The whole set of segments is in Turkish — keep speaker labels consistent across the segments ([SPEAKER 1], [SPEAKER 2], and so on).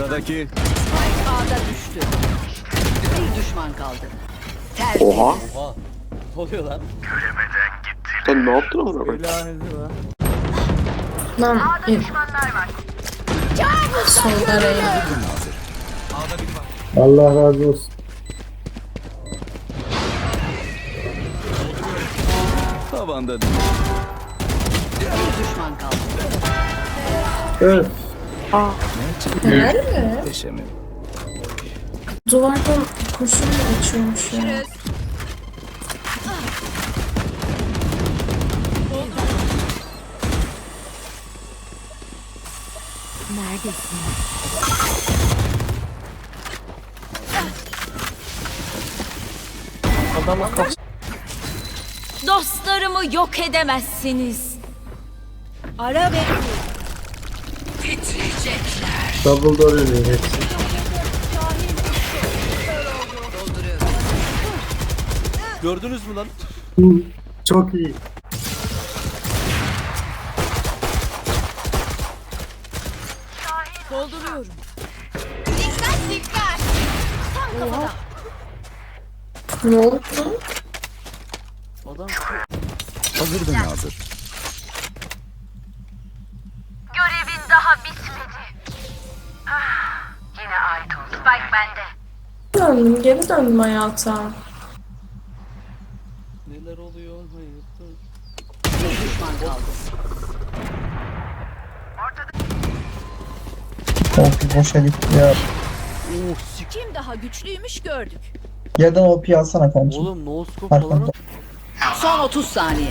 [SPEAKER 1] Sıradaki.
[SPEAKER 2] Spike A'da düştü. Bir düşman kaldı.
[SPEAKER 3] Oha.
[SPEAKER 4] Oha. Ne oluyor lan?
[SPEAKER 3] Sen ne yaptın amına koyayım?
[SPEAKER 4] Laneti var.
[SPEAKER 5] Lan solda Reyna.
[SPEAKER 6] Allah razı olsun.
[SPEAKER 1] Tavanda
[SPEAKER 2] Bir düşman kaldı.
[SPEAKER 6] Evet.
[SPEAKER 5] Helal mi?
[SPEAKER 1] deşemi.
[SPEAKER 5] Duvardan kurşun mu geçiyormuş ya?
[SPEAKER 7] Dostlarımı yok edemezsiniz. Ara ve
[SPEAKER 6] Double door ürüyor hepsi.
[SPEAKER 4] Gördünüz mü lan?
[SPEAKER 6] Çok iyi.
[SPEAKER 7] dolduruyorum.
[SPEAKER 5] Ne oldu?
[SPEAKER 4] Adam
[SPEAKER 1] Hazır ve nazır.
[SPEAKER 8] Görevin daha bitmedi. Yine ait oldu. Spike bende.
[SPEAKER 5] Döndüm, geri döndüm hayata.
[SPEAKER 4] neler oluyor hayatta?
[SPEAKER 2] Bir düşman kaldı.
[SPEAKER 9] OP boşa gitti ya.
[SPEAKER 4] Oh sik.
[SPEAKER 7] Kim daha güçlüymüş gördük.
[SPEAKER 9] Yerden OP alsana kanka.
[SPEAKER 4] Oğlum no scope falan.
[SPEAKER 9] Arkamda.
[SPEAKER 2] Son 30 saniye.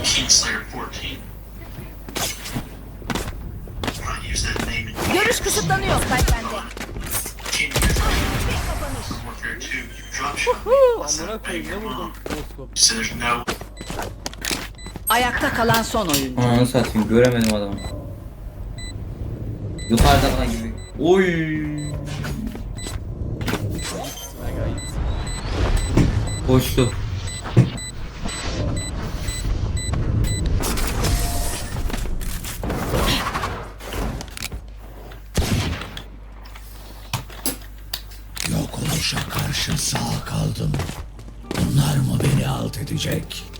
[SPEAKER 7] Görüş kısıtlanıyor. Spike bende.
[SPEAKER 4] Amına koyayım ne vurdum no scope.
[SPEAKER 2] Ayakta kalan son oyuncu.
[SPEAKER 10] Ananı satayım göremedim adamı. Yukarıda falan gibi. Oy. Koştu.
[SPEAKER 1] Yok oluşa karşı sağ kaldım. Bunlar mı beni alt edecek?